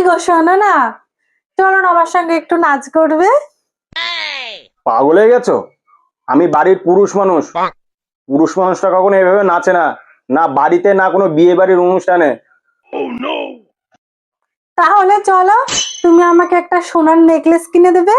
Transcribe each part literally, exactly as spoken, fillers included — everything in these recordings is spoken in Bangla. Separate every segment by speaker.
Speaker 1: গো শোনো না, চলো না আমার সঙ্গে একটু নাচ করবে।
Speaker 2: পাগল হয়ে গেছো? আমি বাড়ির পুরুষ মানুষ। পুরুষ মানুষটা কখনো এভাবে নাচে না, না বাড়িতে না কোনো বিয়ে বাড়ির অনুষ্ঠানে।
Speaker 1: তাহলে চলো, তুমি আমাকে একটা সোনার নেকলেস কিনে দেবে।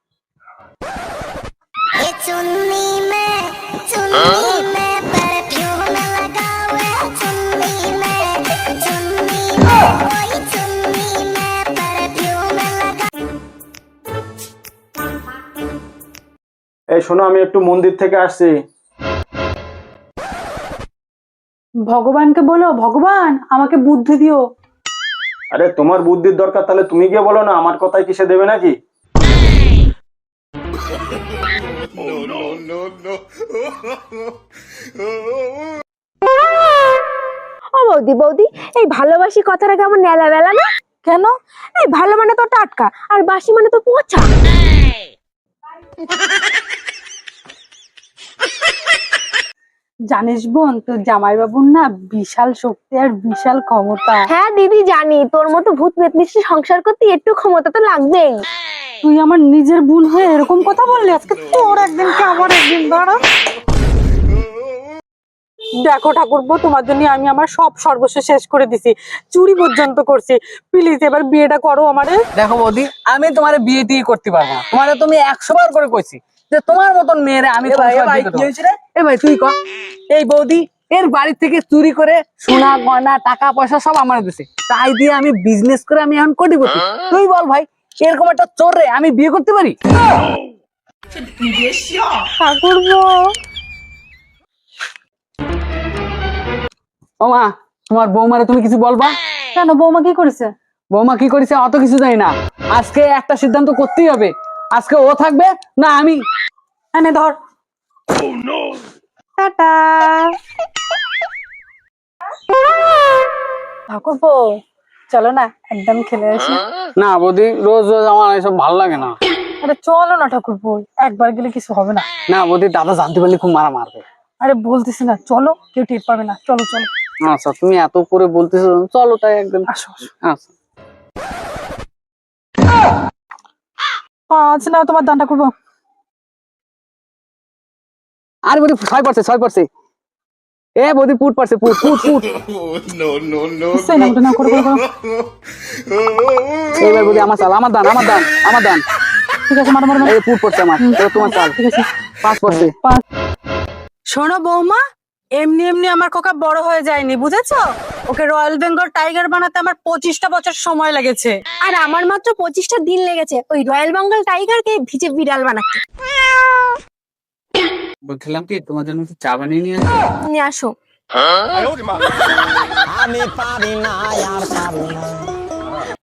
Speaker 2: এই শোনো, আমি একটু মন্দির থেকে আসছি।
Speaker 1: ভগবানকে বলো, ভগবান আমাকে বুদ্ধি দিও।
Speaker 2: আরে তোমার বুদ্ধির দরকার, তাহলে তুমি গিয়ে বলো না, আমার কথায় কিসে দেবে নাকি?
Speaker 3: ও বৌদি বৌদি, এই ভালোবাসি কথাটা কেমন নেলা বেলা না?
Speaker 1: কেন?
Speaker 3: এই ভালো মানে তো টাটকা, আর বাসি মানে তো পচা।
Speaker 1: জানিস বোন, তোর জামাইবাবুর না বিশাল শক্তি আর বিশাল ক্ষমতা।
Speaker 3: হ্যাঁ দিদি জানি, তোর মতো ভূত পেতনির সংসার করতে একটু ক্ষমতা তো লাগবেই।
Speaker 1: তুই আমার নিজের বোন হয়ে এরকম কথা বললি? আজকে তোর একদিন কি আমার একদিন, দাঁড়া। দেখো ঠাকুরপো, তোমার জন্য আমি আমার সব সর্বস্ব শেষ করে দিছি, চুরি পর্যন্ত করছি। প্লিজ এবার বিয়েটা করো আমারে।
Speaker 4: দেখো বৌদি, আমি তোমার বিয়ে টিয়ে করতে পারবো না। তোমারে তুমি একশো বার করে কইছি যে তোমার মতন মেয়েরে আমি তোমার সাথে বিয়ে করবো না। এ ভাই তুই ক, এই বৌদি এর বাড়ি থেকে চুরি করে সোনা গয়না টাকা পয়সা সব আমার দিছে, তাই দিয়ে আমি বিজনেস করে আমি এখন কোটিপতি। তুই বল ভাই, এরকম একটা চোর রে আমি বিয়ে করতে পারি?
Speaker 1: ঠাকুরপো,
Speaker 4: ও মা, তোমার বৌমারে তুমি কিছু বলবা?
Speaker 1: কেন, বৌমা কি করেছে?
Speaker 4: বৌমা কি করেছে অত কিছু জানি না, আজকে একটা সিদ্ধান্ত করতেই হবে। আজকে ও থাকবে না আমি।
Speaker 1: এনে ধর। টাটা। ঠাকুরপো চলো না, একদম খেলে আসি।
Speaker 4: না বৌদি, রোজ রোজ আমার এসব ভালো লাগে না।
Speaker 1: আরে চলো না ঠাকুরপো, একবার গেলে কিছু হবে না।
Speaker 4: না বৌদি, দাদা জানতে পারলে খুব মারা মারবে।
Speaker 1: আরে বলতেছি না, চলো, কেউ টের পাবে না, চলো চলো।
Speaker 4: আচ্ছা, তুমি এত করে বলতেছো, চলো তাই একদিন।
Speaker 1: আসো আসো।
Speaker 4: আচ্ছা।
Speaker 1: পাঁচ না, তোমার দানটা করবো।
Speaker 4: আরে বৌদি, ছয় পড়ছে ছয় পড়ছে। এ বৌদি, পুট পড়ছে, পুট পুট পুট।
Speaker 1: সেই নামটা না, করো করো করো।
Speaker 4: এইবার বৌদি আমার চাল, আমার দান, আমার দান, আমার দান।
Speaker 1: ঠিক আছে, মারো মারো মারো।
Speaker 4: এই পুট পড়ছে আমার, এবার তোমার চাল।
Speaker 1: ঠিক আছে,
Speaker 4: পাঁচ পড়ছে।
Speaker 1: পাঁচ। শোনো বৌমা, এমনি এমনি আমার কোকা বড় হয়ে যায়নি, বুঝেছো? ওকে রয়্যাল বেঙ্গল টাইগার বানাতে আমার পঁচিশটা বছর সময় লেগেছে।
Speaker 3: আর আমার মাত্র পঁচিশটা দিন লেগেছে ওই রয়্যাল বেঙ্গল টাইগারকে ভিজে বিড়াল বানাতে।
Speaker 4: বলছিলাম কি, তোমার জন্য একটু চা বানিয়ে নিয়ে আসো।
Speaker 3: নিয়ে আসো।
Speaker 5: আমি পারি না আর পারি না।